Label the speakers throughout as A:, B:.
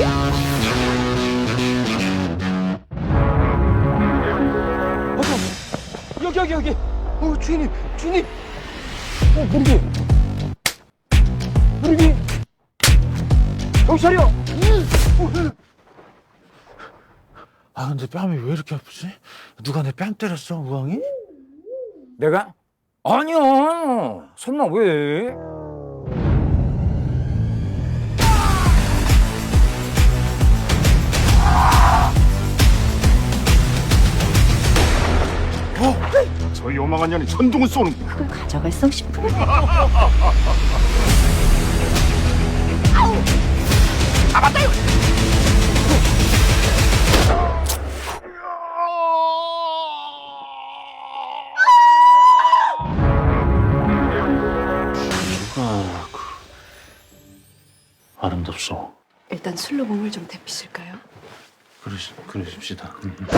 A: 여기. 주인님. 무르기. 경찰이요.
B: 아 근데 뺨이 왜 이렇게 아프지? 누가 내 뺨 때렸어, 우왕이?
A: 내가? 아니야. 설마 왜?
C: 저 요망한 년이 천둥을 쏘는
D: 그걸 가져갈성 싶은데.
B: 누가 아름답소.
D: 일단 술로 몸을 좀 데피실까요?
B: 그러십시다.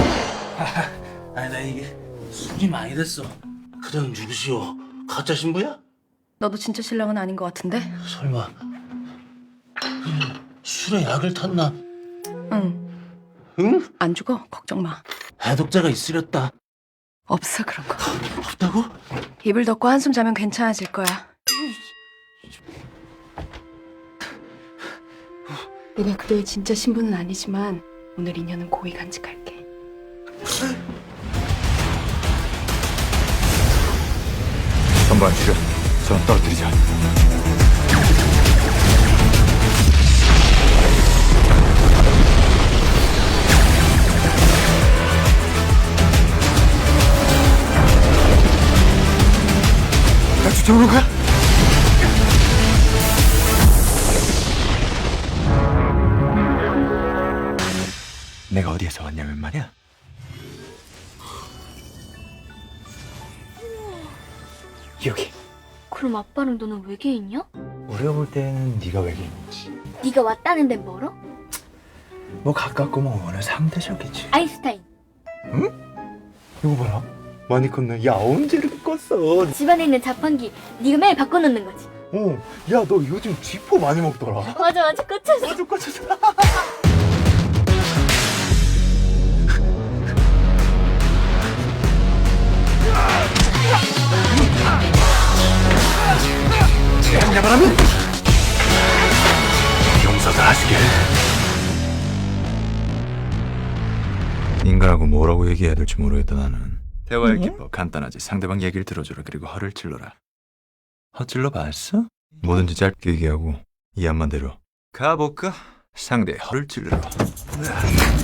B: 아니 나 이게 술이 많이 됐어. 그냥 누구시오? 가짜 신부야?
D: 너도 진짜 신랑은 아닌 것 같은데?
B: 설마 술에 약을 탔나?
D: 응.
B: 응?
D: 안 죽어. 걱정 마.
B: 해독자가 있으렸다.
D: 없어 그런 거.
B: 없다고?
D: 이불 덮고 한숨 자면 괜찮아질 거야. 내가 그대의 진짜 신부는 아니지만 오늘 인연은 고이 간직할게.
C: 전반 출연. 전 떨어뜨리자. 나 쫓아오는 거야? 내가 어디에서 왔냐면 말이야. 여기.
E: 그럼 아빠랑 너는 외계인이야?
C: 우리가 볼 때는 네가 외계인이지.
E: 네가 왔다는 데는 멀어?
C: 뭐 가깝고 뭐 어느 상대적이지.
E: 아인슈타인.
C: 이거 봐라. 많이 컸네. 야 언제 이렇게 컸어?
E: 집안에 있는 자판기 네가 매일 바꿔놓는 거지.
C: 야 너 요즘 쥐포 많이 먹더라.
E: 맞아 꽂혔어.
C: 아주 꽂혔어. 양야바라면 용서들 하시길. 인간하고 뭐라고 얘기해야 될지 모르겠다 나는. 대화의 기법 간단하지. 상대방 얘기를 들어줘라. 그리고 허를 찔러라. 허 찔러 봤어? 뭐든지 짧게 얘기하고 이해한만 대로 가볼까? 상대의 허를 찔러라.